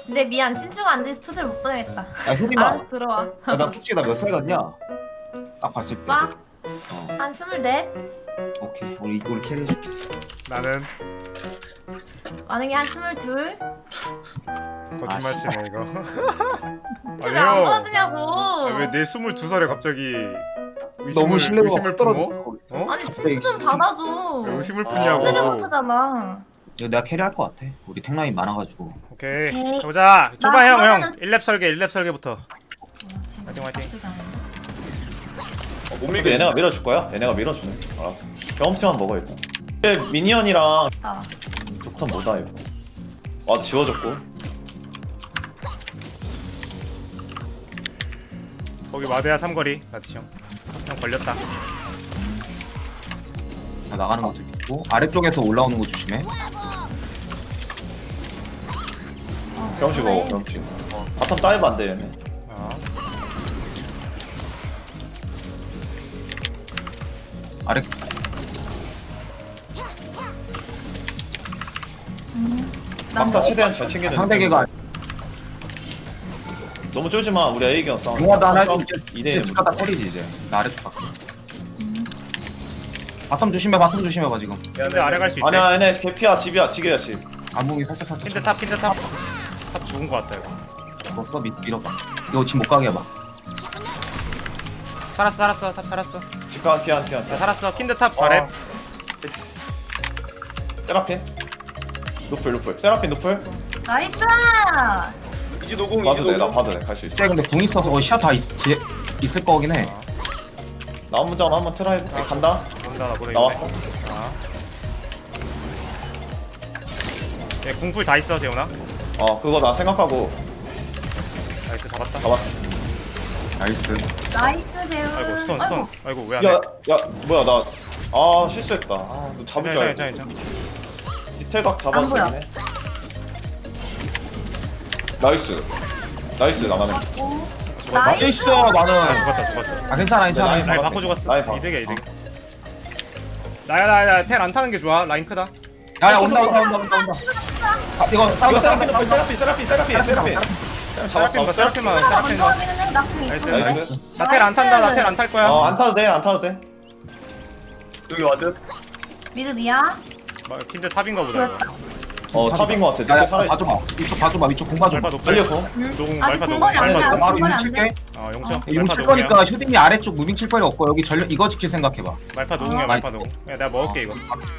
근데 미안 친추가 안 돼서 초대를 못 보내겠다. 야 효림아. 알아서 들어와. 야, 나 솔직히 나 몇 살 같냐? 딱 봤을 때. 빠? 어. 한 24? 오케이. 우리 캐리해줄게. 나는 만약에 한 22? 거짓말 치네 이거. 왜안 아니요. 보여주냐고. 왜내 22살에 갑자기 너무 신뢰가 의심을 떨어졌어. 품어? 거기서. 어? 아니 갑자기 친추 좀 진짜. 받아줘. 왜 의심을 아, 초대를 푸냐고. 못하잖아. 이거 내가 캐리할 것 같아. 우리 탱라인 많아가지고. 오케이. 오케이. 가보자. 줘봐 나 형 형. 하나는- 1랩 설계 1랩 설계부터. 화이팅, 화이팅. 못 밀게 얘네가 밀어줄 거야? 얘네가 밀어주네. 알았어. 경험치만 먹어 일단. 근데 미니언이랑 아, 독턴 뭐다 이거. 와도 지워졌고. 거기 마대야 삼거리. 나티 형. 형 걸렸다. 자, 나가는 것도 있고 아래쪽에서 올라오는 거 조심해. 경험치 먹어 그래. 경험치. 바텀 다이브 안 돼 얘네. 어. 아래 막타 최대한 잘 챙겨야 상대계가 너무 쫄지 마. 우리 A경 싸움. 용화도 하나 해주면 이대 이제 축하다 털이지 이제. 나 아래쪽 갈게. 바텀 조심해. 바텀 조심해봐 지금. 근데 아래 갈 수 있대. 아니야 얘네 개피야 집이야 지게야 집. 안봉이 살짝 킨드 탑 킨드 탑. 탑 죽은 거 같다 이거. 줬어. 밀어봐. 이거 지금 못 가게 해봐. 살았어 탑 살았어. 집가 피한 피한. 나 살았어. 킨드 탑 4렙. 세라핀. 노플 세라핀 노플. 나이스! 이제 노공 봐도 이제 돼. 나 노공. 봐도 돼. 갈 수 있어. 근데 궁 있어서 시야 다 있을 거긴 해. 나 한번 전 한번 트라이 해볼게. 간다. 온다 나 보내. 나왔어. 아. 예, 궁풀 다 있어 재훈아. 그거 나 생각하고 나이스 잡았다. 잡았어. 나이스. 나이스 대우. 아이고 스톤. 아이고 왜 안 야, 해? 야, 뭐야 나 실수했다. 너 잡을 줄 알고. 괜찮아. 디테일각 잡아서 안 보여. 되네. 나이스 나가네. 나이스! 있어 많은. 죽었다. 아 괜찮아 괜찮아. 라인 라인 잡았어. 바꿔 죽었어. 라인 바꿔. 이득이야 이득. 나야 텔 안 타는 게 좋아. 라인 크다. 야야 온다. 아, 이거 이거 싸운다. 세라핀. 세라핀 잡았어. 세라핀만 먼저 세라핀만. 하기는 해. 나궁 나이스. 있어. 나이스. 나 텔 안 탄다. 나 텔 안 탈 거야. 안 타도 돼. 여기 와드. 미드 미야. 킨드 탑인가 보다 이거. 탑인 것 같아. 야야 늦게 살아있어. 봐줘봐. 이쪽 봐줘봐. 이쪽 공 봐줘. 말파 높여. 달려고. 노공 아직 말파 궁궐이 안 노공. 돼. 바로 궁궐이 이용 안 칠게. 용쳐. 이용 말파 칠 노공이야. 거니까 효딩이 아래쪽 무빙 칠 거리 없고 여기 전력 이거 지킬 생각해봐. 말파 노공이야 말파 노공. 야 내가 먹을게 이거.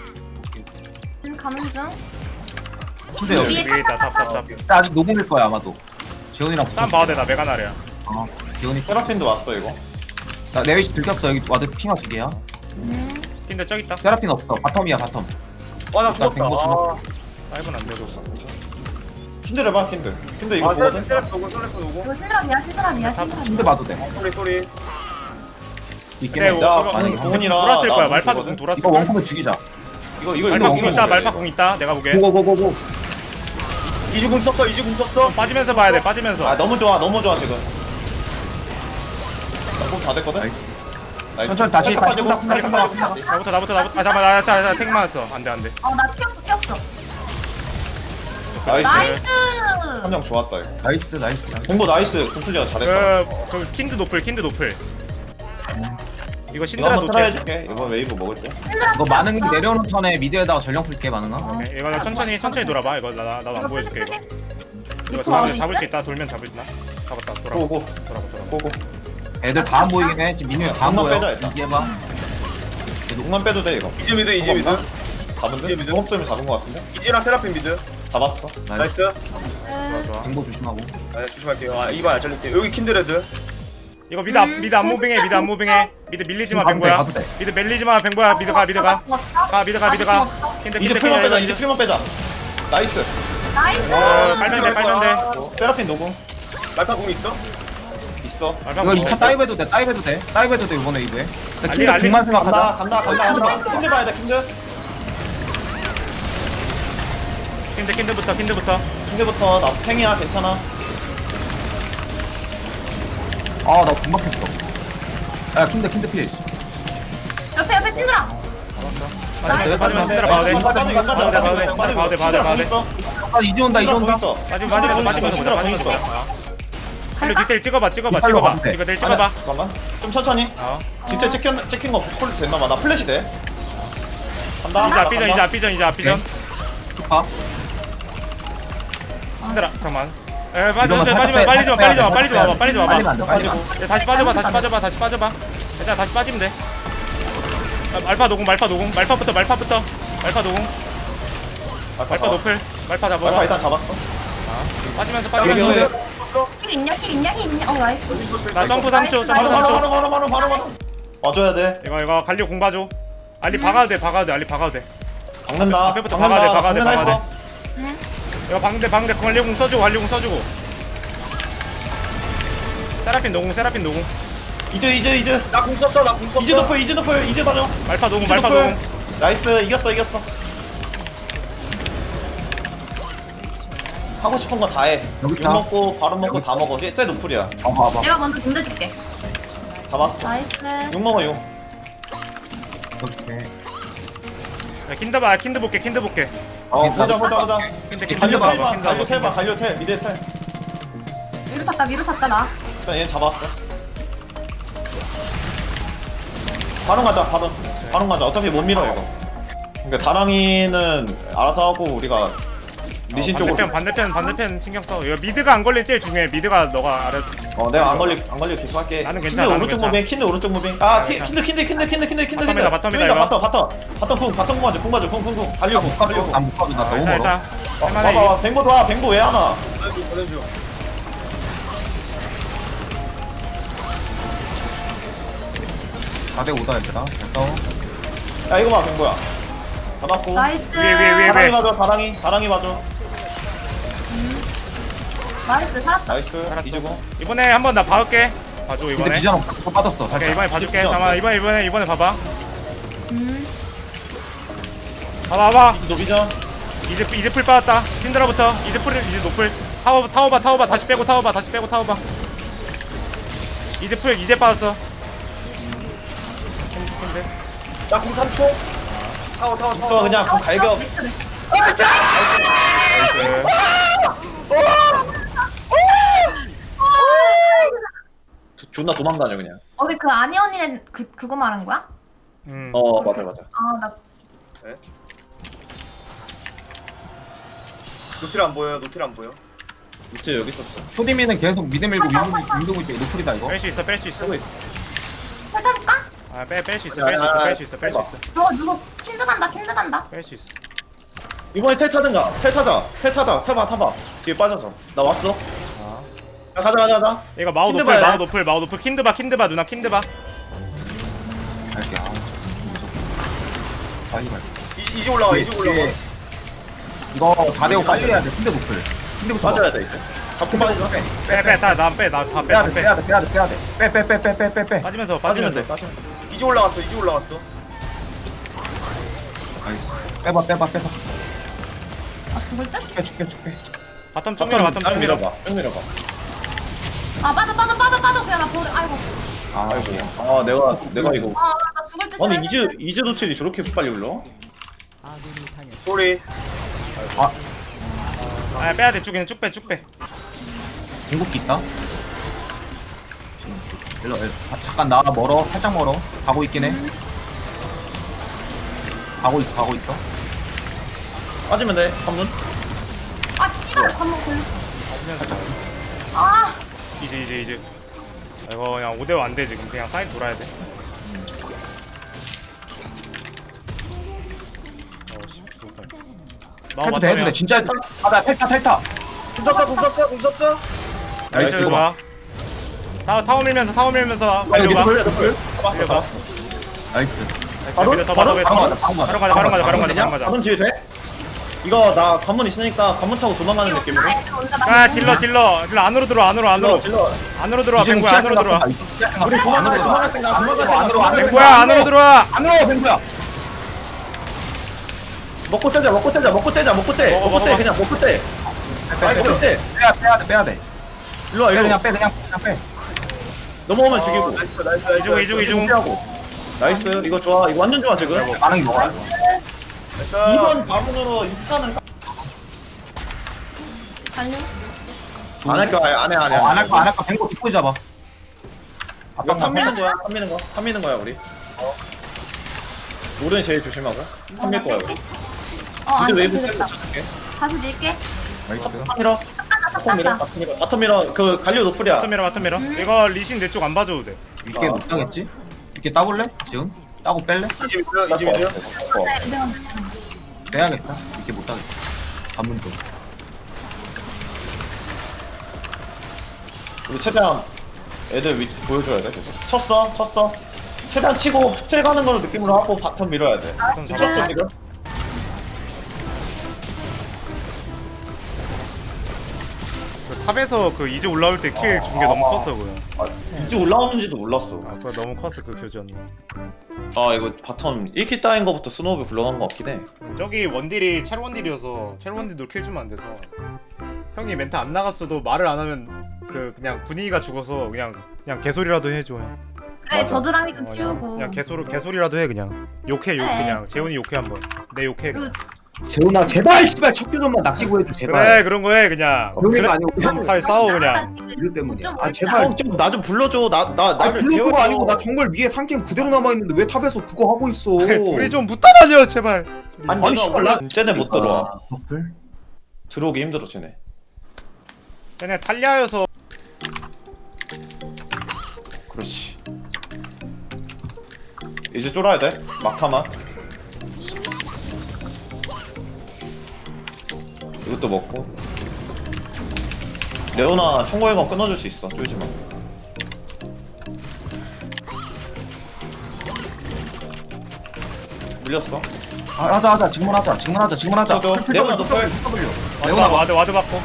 가는 중. 근데 여기 위에 위에 있다 탑. 아직 녹음일 거야 아마도. 재훈이랑 땀 봐도 돼. 나 메가나리야. 재훈이 세라핀도 왔어 이거. 나 내외시 들켰어. 여기 와드 핑하 2개야. 킨드 저기 있다. 세라핀 없어. 바텀이야 바텀. 와나 죽었다. 뱅거 죽었어. 다이브는 안 되고. 킨드를 봐 킨드 이거 아 세라핀 보거든. 세라핀 노공 세라핀 노공. 이거 신드랍이야 신드랍이야 신드랍. 근데 봐도 돼. 소리. 있긴 그래 해. 야, 이거 아니, 공원이랑 돌았을 거야. 나 말파도 보거든. 공 돌았을 이거 거야. 원콤에 죽이자. 이거 말파 공 이거 있다. 말파 공 있다. 내가 보기엔. 고고고고고. 이주궁 썼어 이주궁 썼어. 빠지면서 봐야 돼. 빠지면서. 너무 좋아 지금. 나공다 됐거든. 나이스. 나이스. 천천히 다시 살짝 빠지고, 쿵닥. 살짝 빠지고. 나부터. 아 잠깐만 나택 맞았어. 안돼. 어나 튀었어. 나이스. 나이스. 함정 좋았다 이거. 나이스. 공고 나이스. kum플리가 잘했다. 그 킨드 노플. 이거 이거 신드라 한번 트라이 노플. 해줄게. 이번 웨이브 먹을 때. 이거 많은 게 내려오는 턴에 미드에다가 전령 풀게 많은가? 오케이. 이거 나 천천히 돌아봐. 이거 나도 안 보여줄게 이거. 이거 잡을 수 있다. 돌면 잡을 수 있나? 잡았다. 돌아봐. 고고. 돌아봐. 고고. 애들 다 안 보이긴 해. 지금 민우 다안 한번 보여. 빼자, 일단. 얘기해봐. 녹만 빼도 돼 이거. 이제 미드 이제 미드. 잡은 듯? 이제 미드. 공업점을 잡은 거 같은데? 이제랑 세라핀 미드. 잡았어. 나이스. 나이스. 좋아. 정보 조심하고. 네 조심할게요. 이번 안 잘릴게. 여기 킨드레드. 이거 미드 안 무빙해. 미드 밀리지 마 가도 돼, 뱅보야. 가도 돼. 미드 밀리지 마 뱅보야. 미드 가. 가. 킨드 이제 풀만 빼자. 이제 풀만 빼자. 나이스. 나이스. 빨면 돼. 세라핀 녹음 말파궁 있어? 있어. 이거 2차 다이브해도 돼. 다이브해도 돼 이번에 이브에. 나 알리, 킬드 알리. 궁만 생각하자. 간다. 킨드 봐야 돼 킨드. 킨드부터. 킨드부터 나 탱이야 괜찮아. 아나 궁박했어. 야 킨드 필. 옆에 신드랍. 빠지면 신드라 봐도 돼. 빠져. 봐도 돼. 신드라 봐도 돼. 있어. 이제 온다 이제 온다. 있어. 빠지면서 보자. 신드라 빠지면서 있어. 보자. 갈려 디테일 찍어봐. 이빨로 가면 돼. 디테일 찍어봐. 잠깐만. 좀 천천히. 어. 진짜 찍힌 거 콜 됐나 봐. 나 플래시 돼. 간다. 이제 앞비전. 좋다. 신들아 잠깐만. 빨리 좀 와봐. 빨리면 안 돼. 빨리면 안 돼. 야, 다시 빠져봐. 일단 다시 빠지면 돼. 말파 노공. 말파 노공. 말파 노공. 말파 노플. 말파 말파 잡아봐. 일단 잡았어. 빠지면서. 힐 있냐? 나이스. 여기 있었어. 나 점프 3초. 바로. 와줘야 돼. 이거 갈려 공 봐줘. 알리 박아도 돼. 박는다. 앞에부터 박아야 돼. 박는다. 응. 이거 방대 갈려 공 써주고. 세라핀 노공. 이즈. 나공 썼어. 이즈 노플. 이즈 봐줘. 말파 노공. 나이스. 이겼어. 하고 싶은 거 다 해. 여기 육 있다. 먹고 바로 먹고 다 먹어. 쟤 노플이야. 봐봐. 내가 먼저 던져줄게. 잡았어. 나이스. 육 먹어 6. 오케이. 킨드 볼게. 보자. 근데 갈려 봐봐. 갈려 텔. 미드 텔. 위로 탔다 나. 일단 얘 잡았어. 바로 가자. 어차피 못 밀어 이거. 그러니까 다랑이는 알아서 하고 우리가 리신 쪽으로. 반대편 신경 써. 이거 미드가 안 걸린 제일 중요해. 미드가 너가 알아. 내가 안 걸릴 계속 할게. 나는 킨드 괜찮아, 오른쪽 나는 무빙. 킨드 오른쪽 무빙. 킨드. 바텀이다, 이거. 바텀 궁 맞아. 궁. 달려 궁. 안못 가도 나 너무 멀어. 자. 할만해. 봐봐. 뱅고 봐. 뱅고 왜 하나? 보내줘. 다대 오다 얘들아. 됐어. 야 이거 봐 뱅고야. 잡았고. 나이스. 위에. 다랑이 맞아. 다랑이 맞아. 나이스. 살았다. 나이스. 알았어. 이주고. 이번에 한번 나 봐올게. 봐줘 근데 이번에. 비전 또 빠졌어. 오케이 살짝. 이번에 봐줄게. 비전 잠깐만 이번에 봐봐. 음. 봐봐. 노비전. 이제 풀 빠졌다. 킨드라부터 이제 노플. 타워봐. 다시 빼고 타워봐. 이제 빠졌어. 나공 3초. 타워. 있어 그냥 그 갈겨. 존나 도망다녀 그냥. 어디 그 아니 언니는 그거 말한 거야? 맞아. 나 노틸 안 보여. 밑에 여기 있었어. 초디미는 계속 미드 밀고 윈도우 있게 루플이다 이거. 뺄 수 있어. 탈타줄까? 뺄 수 있어. 누구 킨드 간다. 뺄 수 있어. 이번에 텔 타든가. 텔 타자. 타봐. 뒤에 빠져서. 나 왔어. 야, 가자. 이거 마우 킨드 노플, 봐야 마우 노플. 킨드 봐 누나 킨드 봐. 갈게. 빨리 갈. 이제 올라와. 이거 4대5 빨리 해야 돼. 근데 노플. 근데부터 빠져야 돼 있어. 잡고 빠지자. 나다 빼. 빼. 빠지면서. 빠지면 돼. 이제 올라갔어. 나이스. 빼봐. 아 죽을 듯? 줄게. 바텀 쪽 밀어. 쭉 밀어봐. 아 빠져. 그냥 나 버려. 아이고. 아이고. 내가 이거. 나 죽을 듯. 아니 이즈 노틸이 저렇게 빨리 올라? 소리. 빼야 돼. 쭉 빼. 궁극기 있다. 일로. 잠깐 나 멀어. 살짝 멀어. 가고 있긴 해. 가고 있어. 빠지면 돼. 한분. 아 씨발 한번 걸렸어. 빠지면서. 아. 이제. 이거 그냥 5대5 안 돼 지금. 그냥 사이드 돌아야 돼. 씨 죽을 뻔. 해도 돼. 진짜 나 탈타. 공 썼어. 나이스 이거 좋아. 타워 밀면서 여기 봐. 노플. 잡았어. 나이스. 바로 바로 가자. 가면 뒤에 돼? 이거 나 관문 있으니까 관문 타고 도망가는 느낌으로. 딜러 안으로 들어와. 질러. 안으로 들어와. 뱅구야 안으로 들어와. 우리 도망갈 생각. 뱅구야 안으로 들어와. 안으로 뱅구야. 먹고 떼자. 먹고 떼. 먹어. 그냥 먹고 떼. 나이스. 떼. 빼야 돼. 일로 와. 그냥 빼. 넘어오면 죽이고. 나이스. 이중. 나이스. 이거 좋아. 이거 완전 좋아 지금. 반응이 뭐야? 나이스. 2번 바문으로 2차는 갈려? 안 할 거야 안해 안 할까 뱅고 뒷고 잡아. 이거 탐 미는 거야 탐 미는 거야 우리 노른이 제일 조심하고 탐 밀 거야 우리 안 이제 돼, 웨이브 되겠다. 떼고 다시 밀게. 탐 밀어 바텀 밀어 그 갈리오 노플이야 바텀 밀어 이거 리신 내 쪽 안 봐줘도 돼. 이게 못 따겠지? 이렇게 따볼래? 지금? 따고 뺄래? 이제 미드. 네, 내가 빼야겠다. 이렇게 못 따겠다. 반문 좀. 우리 최대한 애들 위치 보여줘야 돼 계속 쳤어 최대한 치고 스틸 가는 걸로 느낌으로 하고 바텀 밀어야 돼 바텀 쳤어 잡았어. 지금 그 탑에서 그 이제 올라올 때 킬 준 게 너무 컸어 그거. 이제 올라오는지도 몰랐어 아 그거 너무 컸어 그 교전. 아 이거 바텀 1킬 따인 거부터 스노우비 굴러간 거 같긴 해 저기 원딜이 첼 원딜이어서 첼 원딜도 킬 주면 안 돼서 형이 멘트 안 나갔어도 말을 안 하면 그 그냥 분위기가 죽어서 그냥 개소리라도 해줘 형. 그래 맞아. 저드랑이 좀 치우고. 그냥 개소리라도 해 그냥. 욕해 네. 그냥 재훈이 욕해 한번. 내 욕해. 그냥. 재훈아 제발 씨발 첫 교전만 낙지고 해줘 그래 그런 거 해 그냥. 그런 거 아니고 형 잘 싸워 그냥. 이럴 때문이야. 좀 아 제발. 형좀나 좀 불러줘 나를 불릴 거 아니고 나 정말 위에 상캠 그대로 남아 있는데 왜 탑에서 그거 하고 있어? 둘이 좀 붙어 다녀 제발. 아니 아니, 씨발, 나- 쟤네 못 들어와 버플? 들어오기 힘들어 쟤네 쟤네 탈리아여서 그렇지 이제 쫄아야 돼 막타만 이것도 먹고 레오나 청구회관 끊어줄 수 있어 쫄지마 밀렸어 하자 직문하자 저도 레오나 노플 레오나 와드 받고.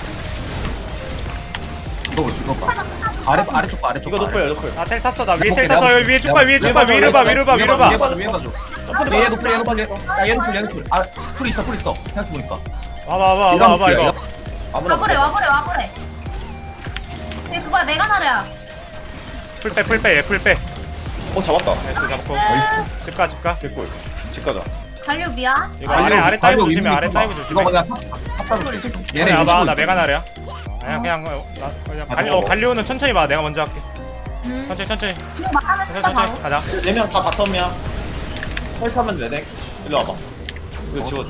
이거 봐 아래쪽 봐 이거 노플 나 텔 탔어 나 위에 텔 내가 탔어 여기 위에 쭉 봐 위에 쭉 봐 위를 봐 위를 봐 위를 봐. 위에 봐줘 얘 노플 얘 노플 아풀 있어 생각해보니까 와봐 이거. 아무나 와보래. 근데 그거야 메가나르야. 풀빼. 잡았다 나이스 잡고. 집가. 개꿀 집 가자 갈려 미야. 이거 아래 따이고 조심해 아래 따이고 조심해. 이거 그냥 탑 얘네 와봐 나 메가나르야. 그냥 갈리오는 천천히 봐 내가 먼저 할게. 천천히 그냥 말하면 된다 바로. 가자. 4명 다 바텀이야 헬타면 되네 일로 와봐 이거 지워줘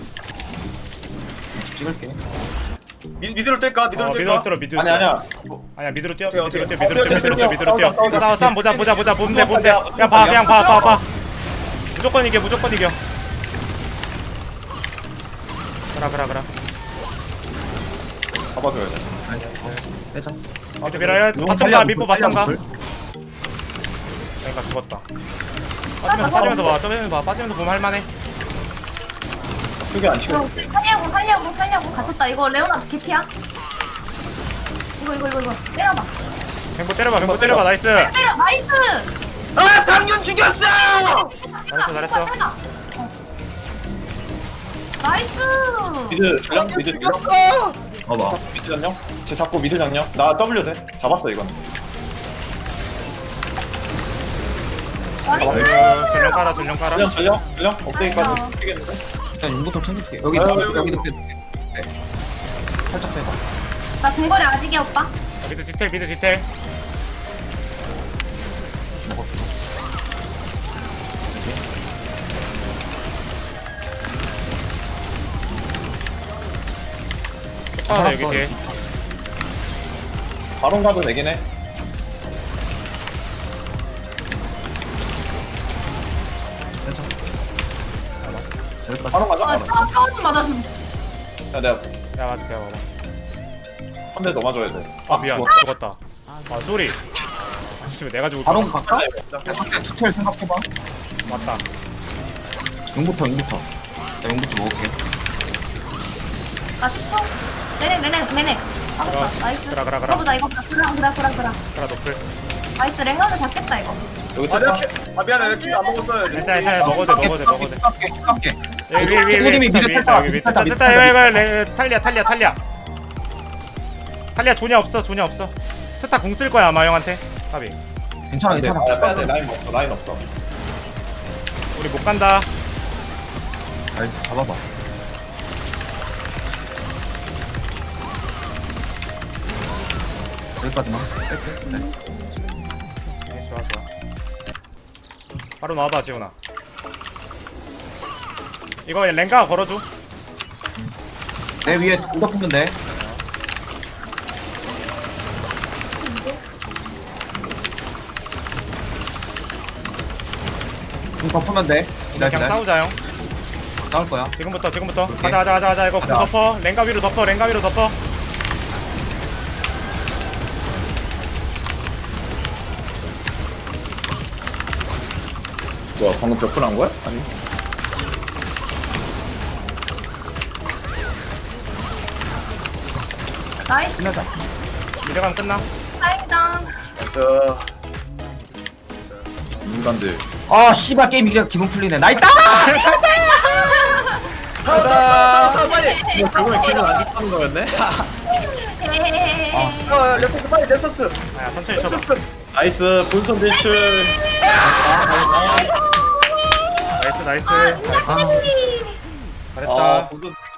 찍을게 미드로 뗄까? 미드로 미드로 뗄까? 뛰어 아니야 아니야 미드로 뛰어 오케이. 미드로 뛰어 싸움 보자 뭔데 싸우자. 그냥 봐 무조건 이겨 그라 잡아줘야 돼 빼자 이제 밀어요 바텀 가 밑보 바텀 가 그러니까 죽었다 빠지면서 봐 빠지면서 보면 할만해 크게 안 치고 살려고 갇혔다. 이거 레오나 개피야. 이거 때려봐. 뱅보 때려봐 나이스 때려 나이스. 아 당근 죽였어! 잘했어 나이스. 미드 전령 미드 죽였어! 봐봐 미드 전령 쟤 잡고 미드 전령 나 W 돼 잡았어 이건 나이스. 전령 깔아 전령 업데이트까지 되겠는데 일단 용부터 챙길게 여기 여기도 빼 네. 살짝 빼봐 나 동거리 아직이야 오빠. 미드 디테일 아 여기 뒤에 바론 가도 되긴 해 여기까지 바론 가자 바론 타워좀 맞아줘. 야 내가 야 맞을게 봐봐 한 대 더 맞아야 돼 미안 죽었다 아 쏘리 씨발 내가 죽을 바로 뻔 갈까? 상대 투텔 생각해봐 맞다 용부터 나 용부터 먹을게 나 10초. 레넥. 나이스. 그라. 이거보다 그라. 그라 노플 나이스 랭가드 잡겠다 이거. 여기 아, 쳤다 미안해 킬안 먹었어. 일단 먹어도 돼 깎게 여기 부모님이 미드 위에 탈다, 여기 미드 탈다, 미드 이거 탈리아 존야 없어 트타 궁 쓸 거야 아마 형한테 까비 괜찮아 야 빼야돼 라인 없어 우리 못 간다 나이스 잡아봐 여기까지만. 네, 좋아 좋아. 바로 나와봐 지훈아. 이거 랭가 걸어줘. 내 위에 공 덮으면 돼. 공 덮으면 돼. 그냥 기다려. 싸우자 형. 싸울 거야. 지금부터 오케이. 가자 이거 공 가자. 덮어. 랭가 위로 덮어. 뭐야 방금 벽분한 거야? 아니 나이스. 끝나자. 미래강 끝나. 다행이다. 저 인간들 아 씨발 게임 이게 기분 풀리네. 나 있다. 가자 빨리 이거 결국에 기분 안 좋다는 거였네? 헤헤헤헤. 야 렉서스 빨리 렉서스 야 천천히 쳐봐. 렉서스 나이스 본선 대출 나이스. 아, 잘했다. 아 본선